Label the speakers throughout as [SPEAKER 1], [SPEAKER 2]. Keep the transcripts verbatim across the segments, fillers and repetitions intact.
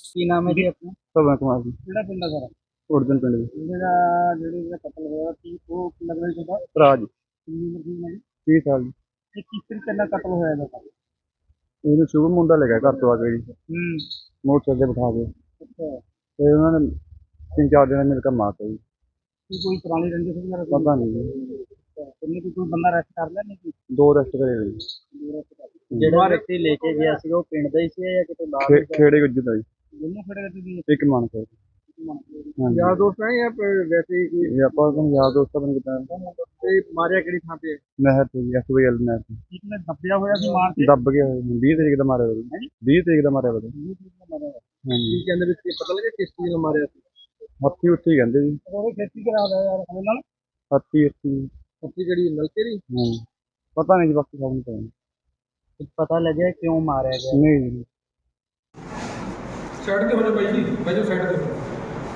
[SPEAKER 1] ਕੀ ਨਾਮ ਹੈ ਜੀ ਆਪਣਾ?
[SPEAKER 2] ਭਗਵਾਨ ਕੁਮਾਰ ਜੀ।
[SPEAKER 1] ਕਿਹੜਾ ਪਿੰਡ ਹੈ ਸਰ?
[SPEAKER 2] ਉੜਦਨ ਪਿੰਡ ਦੇ
[SPEAKER 1] ਜਿਹੜਾ ਜਿਹੜੇ ਦਾ ਕਤਲ ਹੋਇਆ ਕੀ ਉਹ ਲੱਗਦਾ ਜੀ ਤੁਹਾਡਾ?
[SPEAKER 2] ਭਰਾ ਜੀ।
[SPEAKER 1] ਕਿੰਨੀ ਉਮਰ ਦੀ ਹੈ ਜੀ?
[SPEAKER 2] ਤੀਹ ਸਾਲ ਜੀ।
[SPEAKER 1] ਇਹ ਕਿਸ ਤਰੀਕੇ ਨਾਲ ਕਤਲ ਹੋਇਆ ਇਹਦਾ?
[SPEAKER 2] ਇਹਨੂੰ ਸ਼ੁਭ ਮੁੰਡਾ ਲੈ ਗਿਆ ਘਰ ਤੋਂ ਆ ਕੇ ਜੀ,
[SPEAKER 1] ਹੂੰ।
[SPEAKER 2] ਮੋਟਰਸਾਈਕਲ ਤੇ ਬਿਠਾ ਕੇ
[SPEAKER 1] ਅੱਛਾ।
[SPEAKER 2] ਤੇ ਉਹਨਾਂ ਨੇ ਤਿੰਨ ਚਾਰ ਦਿਨ ਮਿਲ ਕੇ ਮਾਰਤਾ ਜੀ।
[SPEAKER 1] ਕੀ ਕੋਈ ਪੁਰਾਣੀ ਰੰਜਿਸ਼ ਵਗੈਰਾ?
[SPEAKER 2] ਪਤਾ ਨਹੀਂ ਜੀ।
[SPEAKER 1] ਕਿੰਨੇ ਕੋਈ ਬੰਦਾ ਅਰੈਸਟ ਕਰ ਲਿਆ ਨਹੀਂ?
[SPEAKER 2] ਦੋ ਰੈਸਟ ਕਰੇ ਹੋਏ ਜੀ।
[SPEAKER 1] ਜਿਹੜਾ ਵਿਅਕਤੀ ਲੈ ਕੇ ਗਿਆ ਸੀ ਉਹ ਪਿੰਡ ਦਾ ਹੀ ਸੀ ਜਾਂ ਕਿਤੇ ਬਾਹਰ
[SPEAKER 2] ਖੇ- ਖੇੜੇ ਗੁੱਜਰ ਦਾ ਜੀ,
[SPEAKER 1] ਦੋਨੋਂ ਖੜੇ ਰਹਿੰਦੇ ਸੀ?
[SPEAKER 2] ਇੱਕ ਮਨ ਕਰ। ਹਾਂਜੀ।
[SPEAKER 1] ਯਾਰ ਦੋਸਤ ਹੈ ਜਾਂ ਫਿਰ ਵੈਸੇ ਹੀ?
[SPEAKER 2] ਇਹ ਆਪਾਂ ਨੂੰ ਯਾਰ ਦੋਸਤਾਂ ਬਣ ਕਿਦਾਂ
[SPEAKER 1] ਤੇ ਮਾਰਿਆ ਕਿਹੜੀ ਥਾਂ ਤੇ?
[SPEAKER 2] ਨਹਿਰ ਤੇ ਜੀ, ਐਸ ਬੀ ਐਲ ਨਹਿਰ ਤੇ
[SPEAKER 1] ਇੱਕ ਨੇ ਦੱਬਿਆ ਹੋਇਆ ਸੀ ਮਾਰ ਕੇ?
[SPEAKER 2] ਦੱਬ ਗਿਆ ਹੋਇਆ ਜੀ। ਵੀਹ ਤਰੀਕ ਦਾ ਮਾਰਿਆ ਹੋਇਆ ਜੀ। ਵੀਹ ਤਰੀਕ ਦਾ ਮਾਰਿਆ ਹੋਇਆ ਜੀ। ਹਾਂਜੀ।
[SPEAKER 1] ਕੀ ਕਹਿੰਦੇ ਵੀ ਕੀ ਪਤਾ ਲੱਗਿਆ ਕਿਸ ਚੀਜ਼ ਨਾਲ ਮਾਰਿਆ ਸੀ?
[SPEAKER 2] ਹੱਥੀ ਉੱਥੇ ਹੀ ਕਹਿੰਦੇ ਜੀ।
[SPEAKER 1] ਉਹਨੇ ਖੇਤੀ ਕਰਾ ਦਿਆ ਯਾਰ ਉਹਦੇ ਨਾਲ।
[SPEAKER 2] ਹੱਥੀ ਉੱਥੇ।
[SPEAKER 1] ਖੇਤੀ ਕਿਹੜੀ ਨਲਕੇ ਦੀ?
[SPEAKER 2] ਹਾਂਜੀ। ਪਤਾ ਨਹੀਂ ਜੀ, ਬਾਕੀ ਸਭ ਨੂੰ ਪਤਾ ਨਹੀਂ।
[SPEAKER 1] ਪਤਾ ਲੱਗਿਆ ਕਿਉਂ ਮਾਰਿਆ ਗਿਆ?
[SPEAKER 2] ਨਹੀਂ ਜੀ।
[SPEAKER 3] ਸਾਈਡ ਤੇ ਹੋ ਜਾ ਬਾਈ ਜੀ, ਬਾਈ ਜੀ ਸਾਈਡ ਤੇ ਹੋ ਜਾਓ।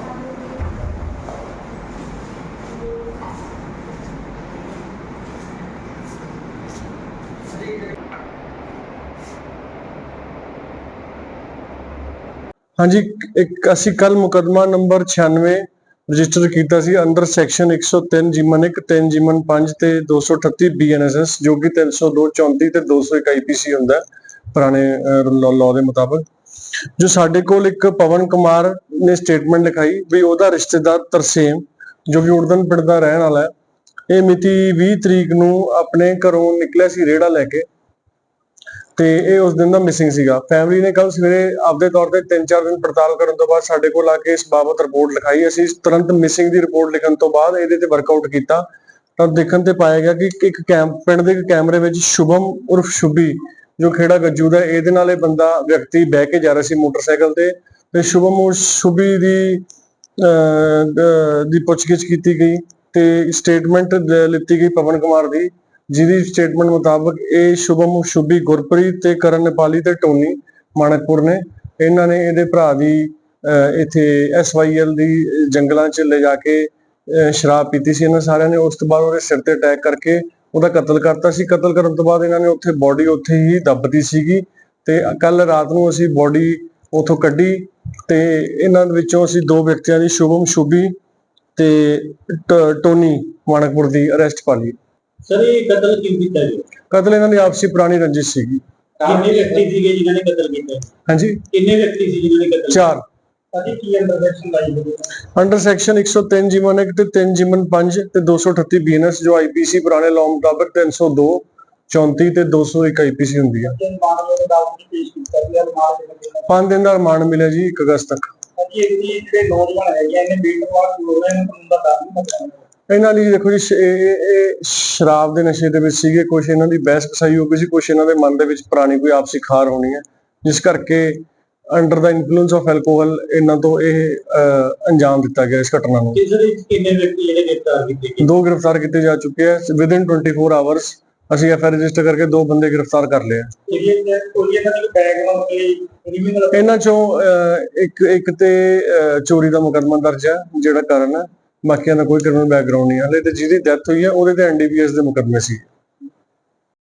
[SPEAKER 4] ਹਾਂਜੀ, ਇੱਕ ਅਸੀਂ ਕੱਲ ਮੁਕੱਦਮਾ ਨੰਬਰ ਛਿਆਨਵੇਂ ਰਜਿਸਟਰ ਕੀਤਾ ਸੀ ਅੰਡਰ ਸੈਕਸ਼ਨ ਇੱਕ ਸੌ ਤਿੰਨ ਜਿਮਨ ਇੱਕ ਤਿੰਨ ਜਿਮਨ ਪੰਜ ਤੇ ਦੋ ਸੌ ਅਠੱਤੀ ਬੀ ਐਨ ਐਸ ਐਸ, ਜੋ ਕਿ ਤਿੰਨ ਸੌ ਦੋ ਚੌਂਤੀ ਤੇ ਦੋ ਸੌ ਇੱਕ ਆਈ ਪੀ ਸੀ ਹੁੰਦਾ ਪੁਰਾਣੇ ਲਾਅ ਦੇ ਮੁਤਾਬਕ। ਜੋ ਸਾਡੇ ਕੋਲ ਇੱਕ ਪਵਨ ਕੁਮਾਰ ਨੇ ਸਟੇਟਮੈਂਟ ਲਿਖਾਈ ਵੀ ਉਹਦਾ ਰਿਸ਼ਤੇਦਾਰ ਤਰਸੇਮ, ਜੋ ਕਿ ਉੜਦਨ ਪਿੰਡ ਦਾ ਰਹਿਣ ਵਾਲਾ ਹੈ, ਇਹ ਮਿਤੀ ਵੀਹ ਤਰੀਕ ਨੂੰ ਆਪਣੇ ਘਰੋਂ ਨਿਕਲਿਆ ਸੀ ਰੇੜਾ ਲੈ ਕੇ ਤੇ ਇਹ ਉਸ ਦਿਨ ਦਾ ਮਿਸਿੰਗ ਸੀਗਾ। ਫੈਮਿਲੀ ਨੇ ਕੱਲ ਸਵੇਰੇ ਆਪਦੇ ਤੌਰ ਤੇ ਤਿੰਨ ਚਾਰ ਦਿਨ ਪੜਤਾਲ ਕਰਨ ਤੋਂ ਬਾਅਦ ਸਾਡੇ ਕੋਲ ਆ ਕੇ ਇਸ ਬਾਬਤ ਰਿਪੋਰਟ ਲਿਖਾਈ। ਅਸੀਂ ਤੁਰੰਤ ਮਿਸਿੰਗ ਦੀ ਰਿਪੋਰਟ ਲਿਖਣ ਤੋਂ ਬਾਅਦ ਇਹਦੇ ਤੇ ਵਰਕਆਊਟ ਕੀਤਾ ਤਾਂ ਦੇਖਣ ਤੇ ਪਾਇਆ ਗਿਆ ਕਿ ਇੱਕ ਕੈਮ ਪਿੰਡ ਦੇ ਕੈਮਰੇ ਵਿੱਚ ਸ਼ੁਭਮ ਉਰਫ ਸ਼ੁਭੀ, ਜੋ ਖੇੜਾ ਗੱਜੂ ਦਾ, ਇਹਦੇ ਨਾਲ ਇਹ ਬੰਦਾ ਵਿਅਕਤੀ ਬਹਿ ਕੇ ਜਾ ਰਿਹਾ ਸੀ ਮੋਟਰਸਾਈਕਲ ਤੇ ਤੇ ਸ਼ੁਭਮ ਉਰ ਸ਼ੁਭੀ ਦੀ ਅਹ ਦੀ ਪੁੱਛਗਿੱਛ ਕੀਤੀ ਗਈ ਤੇ ਸਟੇਟਮੈਂਟ ਲਿੱਤੀ ਗਈ ਪਵਨ ਕੁਮਾਰ ਦੀ, ਜਿਹਦੀ ਸਟੇਟਮੈਂਟ ਮੁਤਾਬਕ ਇਹ ਸ਼ੁਭਮ ਸ਼ੁਭੀ ਗੁਰਪ੍ਰੀਤ ਤੇ ਕਰਨ ਨੇਪਾਲੀ ਤੇ ਟੋਨੀ ਮਾਣਕਪੁਰ ਨੇ, ਇਹਨਾਂ ਨੇ ਇਹਦੇ ਭਰਾ ਦੀ ਇੱਥੇ ਐਸ ਵਾਈ ਐਲ ਦੀ ਜੰਗਲਾਂ 'ਚ ਲੈ ਜਾ ਕੇ ਸ਼ਰਾਬ ਪੀਤੀ ਸੀ ਇਹਨਾਂ ਸਾਰਿਆਂ ਨੇ। ਉਸ ਤੋਂ ਬਾਅਦ ਉਹਦੇ ਸਿਰ ਤੇ ਅਟੈਕ ਕਰਕੇ ਉਹਦਾ ਕਤਲ ਕਰਤਾ ਸੀ। ਕਤਲ ਕਰਨ ਤੋਂ ਬਾਅਦ ਇਹਨਾਂ ਨੇ ਉੱਥੇ ਬੋਡੀ ਉੱਥੇ ਹੀ ਦੱਬਤੀ ਸੀਗੀ ਤੇ ਕੱਲ ਰਾਤ ਨੂੰ ਅਸੀਂ ਬੋਡੀ ਉੱਥੋਂ ਕੱਢੀ ਤੇ ਇਹਨਾਂ ਵਿੱਚੋਂ ਅਸੀਂ ਦੋ ਵਿਅਕਤੀਆਂ ਦੀ, ਸ਼ੁਭਮ ਸ਼ੁਭੀ ਤੇ ਟੋਨੀ ਮਾਣਕਪੁਰ ਦੀ, ਅਰੈਸਟ ਪਾ ਲਈ।
[SPEAKER 5] ਸਰ ਇਹ ਕਤਲ ਕਿਉਂ ਕੀਤਾ ਜੀ?
[SPEAKER 4] ਕਤਲ ਇਹਨਾਂ ਦੀ ਆਪਸੀ ਪੁਰਾਣੀ ਰੰਜਿਸ਼ ਸੀਗੀ।
[SPEAKER 5] ਕਿੰਨੇ ਵਿਅਕਤੀ ਸੀਗੇ ਜਿਨ੍ਹਾਂ ਨੇ ਕਤਲ ਕੀਤਾ?
[SPEAKER 4] ਹਾਂਜੀ,
[SPEAKER 5] ਕਿੰਨੇ ਵਿਅਕਤੀ ਸੀ ਜਿਨ੍ਹਾਂ ਨੇ ਕਤਲ?
[SPEAKER 4] ਚਾਰ।
[SPEAKER 5] ਸਾਡੀ ਕੀ ਅੰਡਰ ਸੈਕਸ਼ਨ ਲਾਈ ਹੋਈ?
[SPEAKER 4] ਅੰਡਰ ਸੈਕਸ਼ਨ ਇੱਕ ਸੌ ਤਿੰਨ ਜਿਮਨ ਇੱਕ ਤੇ ਤਿੰਨ ਜਿਮਨ ਪੰਜ ਤੇ ਦੋ ਸੌ ਅਠੱਤੀ ਬੀ ਐਨ ਐਸ, ਜੋ ਆਈ ਪੀ ਸੀ ਪੁਰਾਣੇ ਲਾਅ ਮੁਤਾਬਕ ਤਿੰਨ ਸੌ ਦੋ ਚੌਂਤੀ ਤੇ ਦੋ ਸੌ ਇੱਕ ਆਈ ਪੀ ਸੀ ਹੁੰਦੀ ਹੈ। ਪੰਜ ਦਿਨ ਦਾ ਰਿਮਾਂਡ ਮਿਲਿਆ ਜੀ, ਇੱਕ ਅਗਸਤ ਤੱਕ।
[SPEAKER 5] ਜਿਹੜੇ ਨੌਜਵਾਨ ਹੈਗੇ ਇਹਨੇ ਬੇਟਵਾਰ ਹੋ ਰਹੇ ਨੇ, ਕਾਨੂੰਨ ਦਾ ਡਰ ਨਹੀਂ ਲੱਗਦਾ
[SPEAKER 4] ਇਹਨਾਂ ਲਈ? ਦੇਖੋ ਜੀ, ਇਹ ਸ਼ਰਾਬ ਦੇ ਨਸ਼ੇ ਦੇ ਵਿੱਚ ਸੀਗੇ, ਕੁਛ ਇਹਨਾਂ ਦੀ ਬਹਿਸ ਕਸਾਈ ਹੋ ਗਈ ਸੀ, ਕੁਛ ਇਹਨਾਂ ਦੇ ਮਨ ਦੇ ਵਿੱਚ ਪੁਰਾਣੀ ਕੋਈ ਆਪਸੀ ਖਾਰ ਹੋਣੀ ਹੈ, ਜਿਸ ਕਰਕੇ ਅੰਡਰ ਦਾ ਇਨਫਲੂਐਂਸ ਆਫ ਐਲਕੋਹਲ ਇਹਨਾਂ ਤੋਂ ਇਹ ਅੰਜਾਮ ਦਿੱਤਾ ਗਿਆ ਇਸ ਘਟਨਾ ਨੂੰ।
[SPEAKER 5] ਕਿੰਨੇ ਵਿਅਕਤੀ ਜਿਹੜੇ ਗ੍ਰਿਫਤਾਰ ਕੀਤੇ ਗਏ?
[SPEAKER 4] ਦੋ ਗ੍ਰਿਫਤਾਰ ਕੀਤੇ ਜਾ ਚੁੱਕੇ ਆ ਵਿਦਿਨ ਚੌਵੀ ਆਵਰਸ। ਅਸੀਂ ਐਫ ਆਈ ਆਰ ਰਜਿਸਟਰ ਕਰਕੇ ਦੋ ਬੰਦੇ ਗ੍ਰਿਫਤਾਰ ਕਰ ਲਏ ਆ। ਇਹਨਾਂ ਚੋਂ ਇੱਕ ਇੱਕ ਤੇ ਚੋਰੀ ਦਾ ਮੁਕੱਦਮਾ ਦਰਜ ਹੈ ਜਿਹੜਾ ਕਾਰਨ ਹੈ, ਬਾਕੀਆਂ ਦਾ ਕੋਈ ਕ੍ਰਿਮੀਨਲ ਬੈਕਗ੍ਰਾਉਂਡ ਨਹੀਂ ਹੈ ਹਲੇ, ਤੇ ਜਿਹਦੀ ਡੈਥ ਹੋਈ ਹੈ ਉਹਦੇ ਤੇ ਐਨ ਡੀ ਪੀ ਐਸ ਦੇ ਮੁਕੱਦਮੇ ਸੀ।